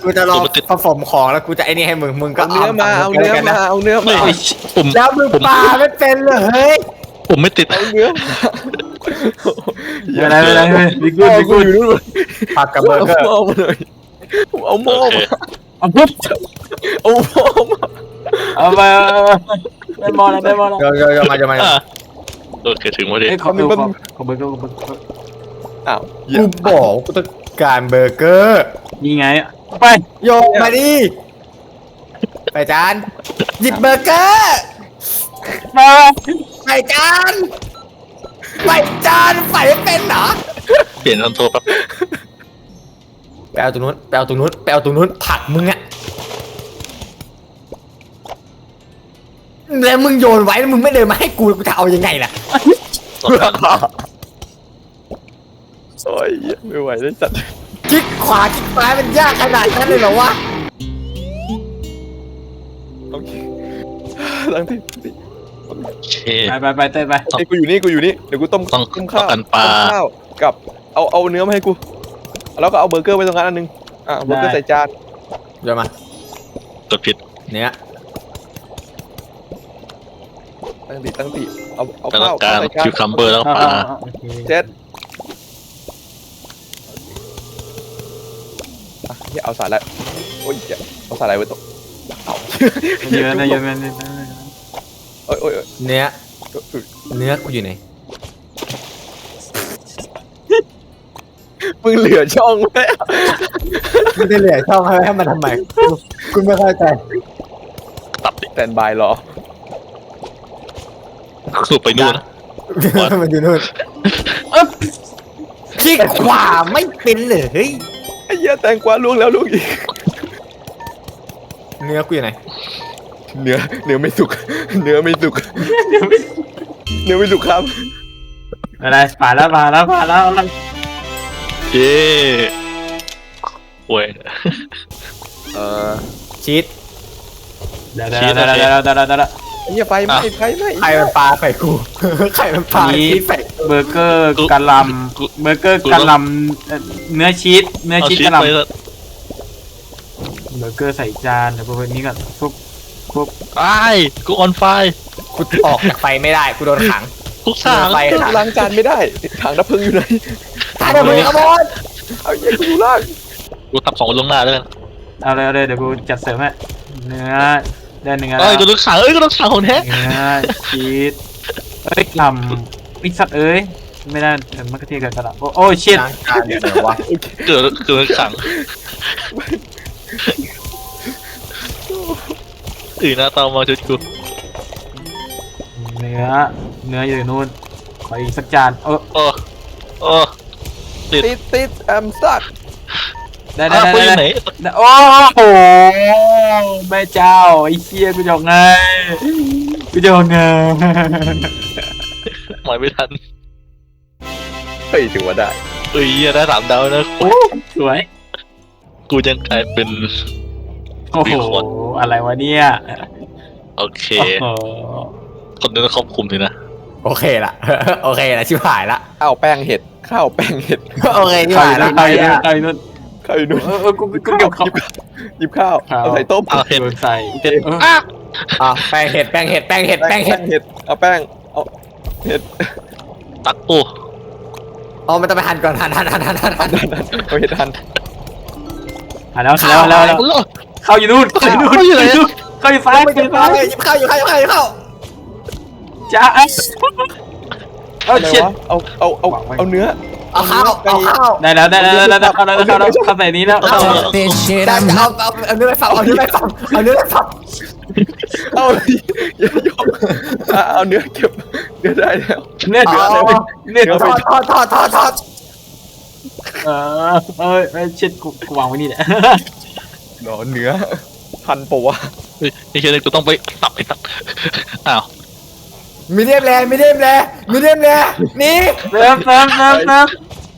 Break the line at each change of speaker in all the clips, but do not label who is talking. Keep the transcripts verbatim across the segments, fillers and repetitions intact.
กูจะรอผสมของแล้วกูจะไอ้นี่ให้มึงมึงก็
เอาเนื้อมาเอาเนื้อมาเอาเนื้อ
ไม่
มา
ผม
แล้วมึงปลาไม่เป็นเลยเฮ้ย
ผมไม่ติด
เอาเนื้อ
อะไรอะไรดิกูดิกู
อยู่นู่น
ผักกับเบอร์เกอร์
เอาหม้อมาเลยเอาหม้อ
โอเค
มา
เอาปุ๊บ
เอาหม้อมา
เอาไปได้บอลแล้วได้บอลแล้ว
เดี๋ยวเดี๋ยวเดี๋ยวมาเดี๋ยวมา
อ่ะโอเคถึงพอดี
เอ้ยขอขอขอเบอร์เกอร์ขอเบอร์เกอร์
อ้าว
กูบอกกูต้องการเบอร์เกอร์
นี่ไงไป
โยกมาดิไปจานหยิบเบอร์เกอร์
มา
ไปจานไปจานใส่ไม่เป็นเหรอ
เปลี่ยนคอนโทรลแป๊บ
ไปเอาตรงนู้นไปเอาตรงนู้นไปเอาตรงนู้นผักมึงอะแล้วมึงโยนไว้แล้วมึงไม่เดินมาให้กูกูจะเอายังไงล่ะ
สองครั้ง
โอ้ยไม่ไหวแล้วจัด
คลิกขวาคลิกซ้ายมันยากขนาดนั้นเลยเหรอวะ
โอเคตั้งที่
โอเค
ไปไปไปเต้นไป
ไอ้กูอยู่นี่กูอยู่นี่เดี๋ยวกูต้ม
ต้อง
ต้มข้าว
ต้องกันปลา
ต้มข้าวกับเอาเอาเนื้อมาให้กูแล้วก็เอาเบอร์เกอร์ไว้ตรงนั้นอันนึงอ่ะเบอร์เกอร์ใส่จาน
เดี๋ยวมาก
ดผิด
เนี้ย
ตั้งติตั้งติเอาเอา
แล้ว
ข้าว
การ
ใส่จาน
คิวคัมเบอร์แล้วก็ปลา
เจ็ดอ่ะที่เอาสาหร่ายโอ้ยอย่าเอาสาหร่ายไว้ตรงเอา
เยอะนะเยอะนะ
โอ้ยโอ้ยโอ้ย
เนื้อเนื้อกูอยู่ไหน
มึงเหลือช่องไว้
มึงจะเหลือช่องให้ให้มันทำไมกูกูไม่เข้าใจ
ตัดดิ
แตนบายรอ
คือไปนู่นนะ
มันอยู่นู่น
อ๊บ
คลิกขวาไม่เป็นเลยเฮ้ย
ไอ้เหี้ยแตงกวาล่วงแล้วล่วงอีก
เนื้อกูอยู่ไหน
เนื้อเนื้อไม่สุก เนื้อไม่สุก เนื้อไม่สุกครับ
อะไรผ่านแล้วผ่านแล้วผ่านแล้ว
เย้โว้ย
เออ
ชีส
เดี๋ยวเดี๋ยวเดี๋ยวเดี๋ยวเดี๋ยวเดี๋ยว
ไอ้เหี้ยไฟไหม้ไฟไหม้
ไข่มันปลาใส่กูไข่มันปลาชีสใส่
เบอร์เกอร์กะหล่ำเบอร์เกอร์กะหล่ำเนื้อชีสเนื้อ
เอา
ชีส
ชีส
กะหล่ำ
ไป
เบอร์เกอร์ใส่จานเดี๋ยวพวกนี้ก่อนปุ๊บปุ๊บ
ไอ้กูออนไฟ
กูออกจากไฟไม่ได้กูโดนขัง
ทุกสาง
ไฟ
ล้างจานไม่ได้ถังดับเพลิงอยู่ไหน
ตายเดี๋ยวมึงขโมย
เอาเหี้ยกูอยู่ล่าง
กูทำของลวงหน้าแล้วกัน
เอาเลยเอาเลยเดี๋ยวกูจัดเสริมให้เนื้อได้เนื้อ
เอ้ยกูต้องขังเอ้ยกูต้องขังของแท้
เนื้อชีสเอ้ยลำวิสัตเอ้ยไม่ได้เดี๋ยวมันก็เทียบกับกระดาษโอ้โอ้ชิต
ล้างจานเดี๋ยวไหนวะ
เกิดเกิดขังตื่นหน้าเตามาชุดกู
เนื้อเนื้ออยู่นู่นขออีกสักจานเออ
โอ้โอ้ติด
ติดติดแอมซัก
ได้ได้
อ้าว
ได้
กูอยู่ไหน
ได้โอ้โหแม่เจ้าไอ้เชี่ยกูจะออกไงกูจะออกไง
หมายไม่ทัน
เฮ้ยถือว่าได้
เอ้ยเหี้ยได้สามดาวนะ
โอ้สวย
กูยังกลายเป็น
โอ้โหอะไรวะเนี่ย
โอเค
โอ้โห
คนนึงต้องควบคุมสินะ
โอเคละโอเคละชิบหายละ
ข้าวแป้งเห็ดข้าวแป้งเห็ด
โอเคชิบ
ใคร
หายละ
นู่นใครนู่นใครนู่น
ข้าวอยู่นู่น
เออเออกูกูเก็บข้าว
หยิบข้าว
ข้าว
เอาใส่ต้ม
เอาเห็ด
โดนใส่เออ
อ้า
อ่ะแป้งเห็ดแป้งเห็ดแป้งเห็ดแป้งเห็ด
เห็ดเอาแป้งเอาเห็ด
ตักกู
อ๋อมันต้องไปหั่นก่อนหั่นหั่นหั่นหั่นหั่นหั่น
เอาเห็ดทัน
หาแล้วแล้วแล้วแล้ว
โอ้โห
เข้าอยู่นู่นเข้าอยู่นู่นเข้าอยู่นู่นเข้าอยู่ซ้าย
ไม่
เข้า
จะ
อยู่
พา
ซ้าย
เลยหยิบข้าวอยู่ข้าวอยู่ข้าวอยู่ข้าว
จ้าเอ้ยเอา
อะไร
เช็ด
วะเอาเอาเอาเอาเนื้อ
เอาข้าวเอาข้าว
ได้แล้วได้แล้วได้แล้วเข้าแล้วเข้าแล้วเข้าใส่นี้แล้ว
เอาได้จะเอาเอาเอาเนื้อไปฝังเอาเนื้อไปฝังเอาเนื้อไปฝัง
เอาอย่ายอมอ่ะเอาเนื้อเก็บเนื้อได้แล้ว
เนี่ย
เอา
เดี๋ยว
เอา
เนี่ย
เอาทอดทอดทอดทอดทอด
เออเอ้ยเอ้ยเช็ดกูกูวางไว้นี่แหละ
หนอเนื้อพันปะวะ
เฮ้ยไอ้เชี่ยนี่กูต้องไปตับไปตับอ้าว
มีเดียมแรมีเดียมแรมีเดียมแรนี่
เติมเติมเติมเติม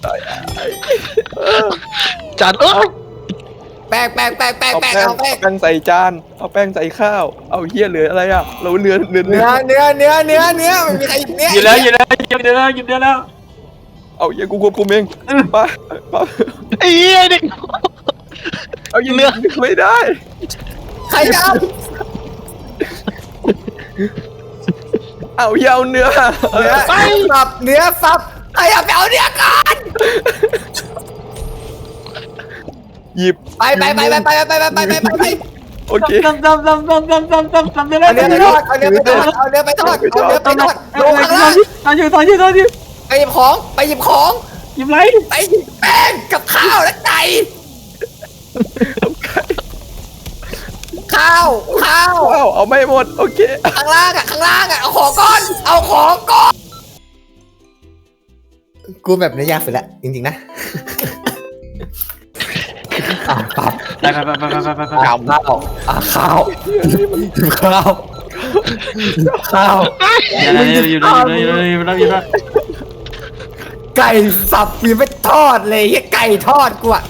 จานเอ้ย
แป้งแป้งแป้งแป้ง
เอา
แป้
แป้
ง
ง
เอาแป้ง
แป้งใส่จานเอาแป้งใส่ข้าวเอาเหี้ยเหลืออะไรอ่ะเราเนื้อเนื้อ
เนื้อเนื้อเนื้อเนื้อเนื้อมันมีใครเนื้อ
อยู่แล้วอยู่แล้วอยู่แล้วอยู่แล้ว
เอาเหี้ยกูควบคุมเองไปไป
ไอ้เหี้ยเด็ก
เอายิง
เนื้อ
ไม่ได้
ใครจะเอา
เอาเยาเนื้อ
เนื้อสับเนื้อสับใครเอาไปเอาเนื้อก่อน
หยิบ
ไปไปไปไปไปไปไปไปไปไปไป
โอเค
ตำตำตำตำตำตำตำตำเนื้อ
เอาเนื้อไปทอดเอาเนื้อไปทอดเอาเนื้อไปทอดเอาเนื้อไปทอดลงข้างล่าง
ตอนอยู่ตอนอยู่ตอนอยู่
ไปหยิบของไปหยิบของ
หยิบไร
ไปหยิบแป้งกับข้าวและไก่ข้าวข้าว
ว้าวเอาไม่หมดโอเค
ข้างล่างอ่ะข้างล่างอ่ะเอาของก่อนเอาของก่อนกูแบบนี้ยากสุดละจริงๆนะอ่ะปับ
ไปไปไปไปไปไปไป
ข้าวข้าวอ่ะข้าวข้าวข้าว
อย่าเลยอยู่เลยอยู่เลยอยู่เลยอยู่เลยอยู่เลย
ไก่สับมีไม่ทอดเลยไอ้ไก่ทอดกูอ่ะ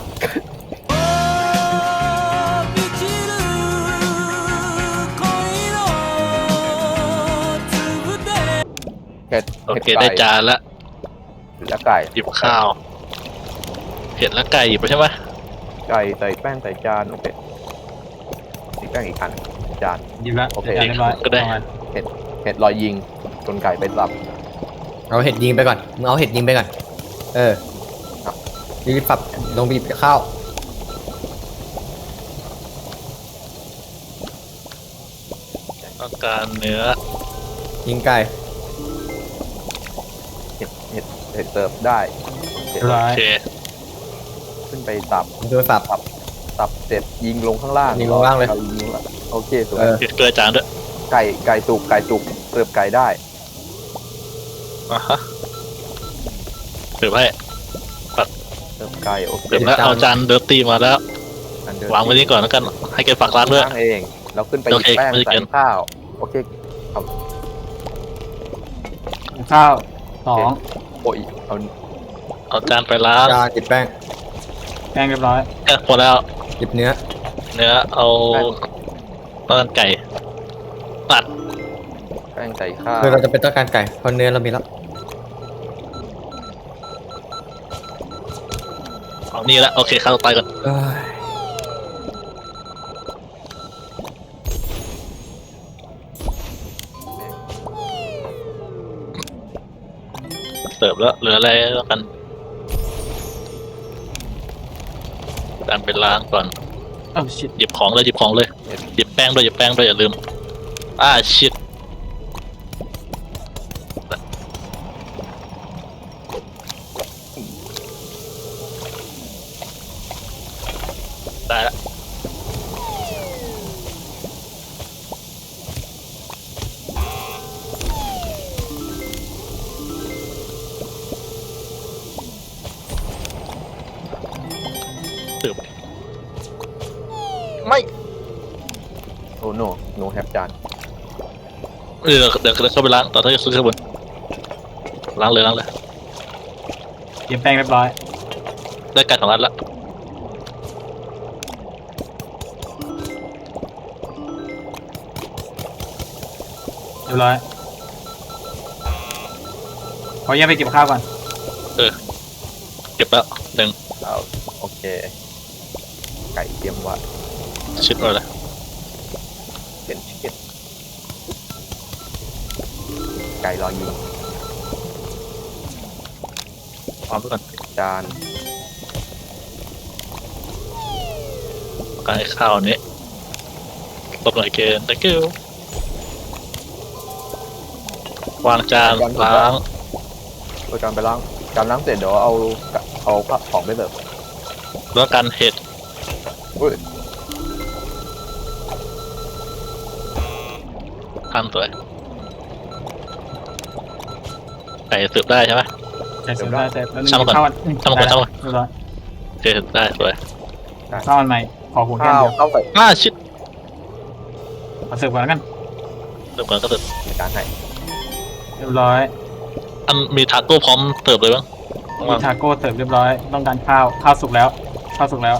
เห็ด
โอ
เห็ด
เค
ไก่
ได้จานละ
และไก่
หยิบข้าวเห็ดและไก่หยิบไปใช่ไหม
ไก่ใส่แป้งใส่จานโอเคใส่แป้งอีกอันจาน
หยิบละ
โอเค
เรียบร้อย
ก็ได้
เห็ดลอยยิงจนไก่ไปสับ
เอาเห็ดยิงไปก่อนมึงเอาเห็ดยิงไปก่อนเออบีบปับลงบีบข้าว
ต้องการเนื้อ
ยิงไก่
เห็ดเห็ดเห็ดเสิร์ฟได้เห็ด
เรียบร้อ
โอย เค
ขึ้นไปสับ
โดนสับ
สับเสร็จยิงลงข้างล่าง
ยิงลงล่างเลย
อยิงลงล่างโอเคสวย
เออ
เกลือจานด้วย
ไก่ไก่สุกไก่สุกเสิร์ฟไก่ได้
อ่ะฮะเสิร์ฟให้
เสิร์ฟไก่โอเค
เสิร์ฟแล้วเอาจานเดอร์ตี้มาแล้ว
อันเดิม
วางไว้นี่ก่อนแล้วกันให้แกฝากร้านด้วย
ล้างเองแล้วขึ้นไปห
โอ
ยิบ
เค
แป้ง
ไม่ได้
ใส่
เกิน
ข้าวโอเค
ข้าวสอง
โอ้ยเอา
เอาจานไปล้าง
จานหยิบแป้ง
แป้งเรียบร้อย
เออพอแล้ว
หยิบเนื้อ
เนื้อเอาต้นไก่ตัด
แป้งใส่ข้าว
คือเราจะเป็นต้องการไก่เพราะเนื้อเรามีแล้ว
เอานี่ละโอเคข้าวต่อไปก่อน
เอ้ย
เสิร์ฟแล้วเหลืออะไรแล้วกันจานไปล้างก่อน
โอ้ชิต
หยิบของเลยหยิบของเลยหยิบแป้งด้วยหยิบแป้งด้วยอย่าลืมอ่าชิดได้ละสืบไม่
โอ้โนโนแฮปจาน
เออเดี๋ยวเดี๋ยวเข้าไปล้างตอนที่ขึ้นข้างบนล้างเลยล้างเลย
หยิบแป้งเรียบร้อย
ได้ไก่สองอันละ
เรียบร้อยขอแยกไปเก็บข้าวก่อน
เก็บแล้วหนึ่ง
เอาโอเค ไก่เตรียมไว้
ชิดไว้เลย
เป็นชิคเก้นไก่รอยิง
พร้อมทุกคน
จาน
การให้ข้าวนี้ตบหน่อยเกณฑ์ thank you วางจานล้าง
เอาจานไปล้างจานล้างเสร็จเดี๋ยวเอาเอาของไปเสิร์ฟ
แล้วกันเห็ด
อุ้ย
ขั้นสวยไก่สืบได้ใช่ไหม
แต่เสร็จได้แต่แล้ว
ช่างมันก่อน
ข้าวมัน
ช่างมันก่อนช่างมัน
เรียบร้อย
โอเคสืบได้สวย
ข้าวมันใหม่ขอหุงแค่
ข้าว
เดียว
ข้าวใส่
อ่าชิด
มาเสิร์ฟก่อนแล้วกัน
สืบก่อนก็สืบ
จานให้
เรียบร้อย
อันมีทาโก้พร้อมเสิร์ฟเลยบ้าง
มีทาโก้เสิร์ฟเรียบร้อยต้องการข้าวข้าวสุกแล้วข้าวสุกแล้ว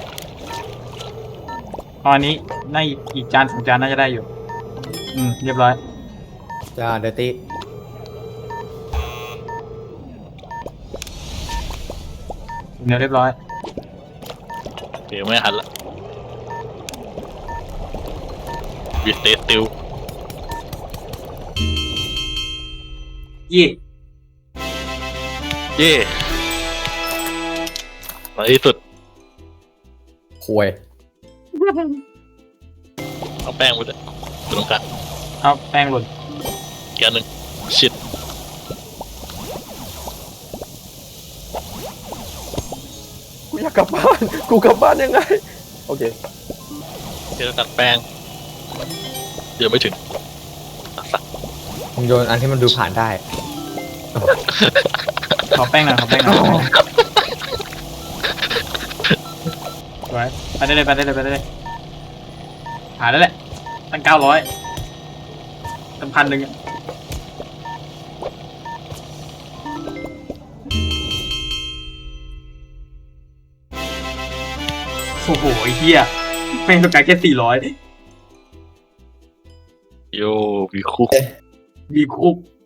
ตอนนี้น่าอีกจานสองจานน่าจะได้อยู่ อืมเรียบร้อย
จานเดอร์ตี้
เนื้อเรียบร้อย
โอเคไม่หันละวิสเตสติล
เย่
เย่ในที่สุด
ควย
เอาแป้งไปเลยไปตรงกลาง
เอาแป้งหล่น
อีกอันหนึ่งชิด
กูอยากกลับบ้านกูกลับบ้านยังไงโอเค
เดี๋ยวตัดแป้งเดี๋ยวไม่ถึงสัก
มึงโยนอันที่มันดูผ่านได้
ขอแป้งหน่อยขอแป้งหน่อยสวยไปได้เลยไปได้เลยไปได้เลยหาได้แหละตั้งเก้าร้อยตั้งพันหนึ่งอะโอ้โหไอ้เหี้ยแม่งต้องการแค่สี่ร้อย
โยมีคุก
มีคุก